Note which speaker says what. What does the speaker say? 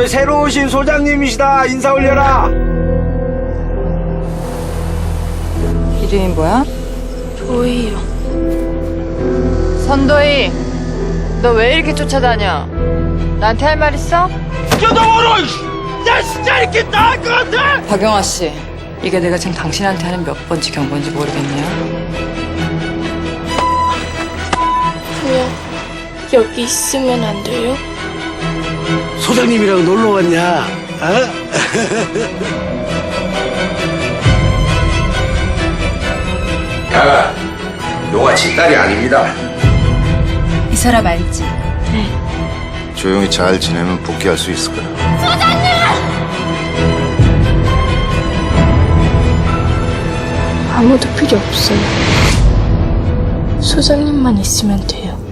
Speaker 1: 새로 오신 소장님이시다. 인사 올려라.
Speaker 2: 이름이 뭐야?
Speaker 3: 도희요.
Speaker 2: 선도희, 너 왜 이렇게 쫓아다녀? 나한테 할 말 있어?
Speaker 1: 뜯어버려! 나 진짜 이렇게 나을 것 같아!
Speaker 2: 박영아 씨, 이게 내가 지금 당신한테 하는 몇 번째 경고인지 모르겠네요.
Speaker 3: 그냥 여기 있으면 안 돼요?
Speaker 1: 소장님이랑 놀러 왔냐? 어?
Speaker 4: 야, 너가 지 딸이 아닙니다.
Speaker 5: 이 사람 알지?
Speaker 4: 조용히 잘 지내면 복귀할 수 있을 거야.
Speaker 3: 아무도 필요 없어요. 소장님만 있으면 돼요.